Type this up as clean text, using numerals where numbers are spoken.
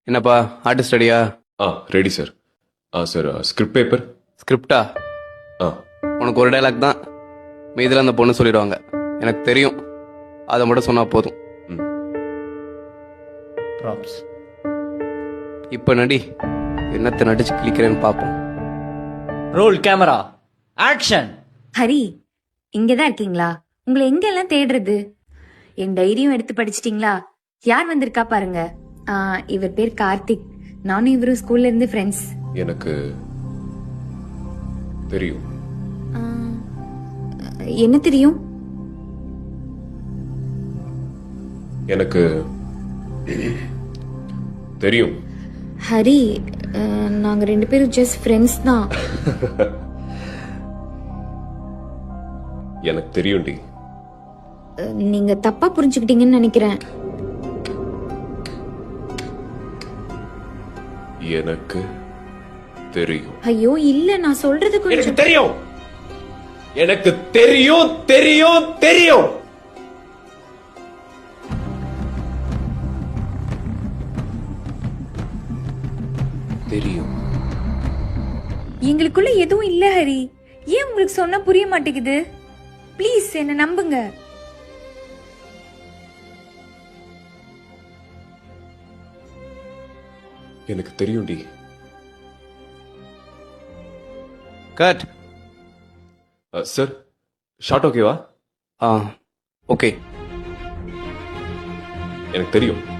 என்னப்பா ஆர்டிஸ்ட் ரெடியா? Ready sir. Sir script paper. ஸ்கிரிப்டா? உனக்கு ஒரு டைலாக் தான், மீதில் அந்த பொண்ணு சொல்லிடுவாங்க. எனக்கு தெரியும், அதை மட்டும் சொன்னா போதும். ப்ராப்ஸ். இப்போ நடி, என்னத்தை நடிச்சு கிளிக்கிறேன்னு பார்ப்போம். Role camera action. ஹரி, இங்கதான் இருக்கீங்களா? உங்களை எங்கெல்லாம் தேடுறது? என் டைரியும் எடுத்து படிச்சிட்டீங்களா? யார் வந்திருக்கா பாருங்க. இவர் பேர் கார்த்திக். நானும் இவரும் ஸ்கூல்ல இருந்து ஃப்ரெண்ட்ஸ். எனக்கு தெரியும். என்ன தெரியும்? எனக்கு தெரியும். ஹரி, நாங்க 2 பேரும் ஜஸ்ட் ஃப்ரெண்ட்ஸ் தான். எனக்கு தெரியும்டி. நீங்க தப்பா புரிஞ்சுக்கிட்டீங்கன்னு நினைக்கிறேன். எனக்கு தெரியும். ஐயோ இல்ல, நான் சொல்றது எனக்கு கொஞ்சம். தெரியும். எனக்கு தெரியும் தெரியும் தெரியும். தெரியும். எங்களுக்குள்ள எதுவும் இல்ல ஹரி. ஏன் உங்களுக்கு சொன்னா புரிய மாட்டேங்குது? ப்ளீஸ் என்ன நம்புங்க. எனக்கு தெரியும்டி. கட். சார் ஷார்ட் ஓகேவா? ஓகே. எனக்கு தெரியும்.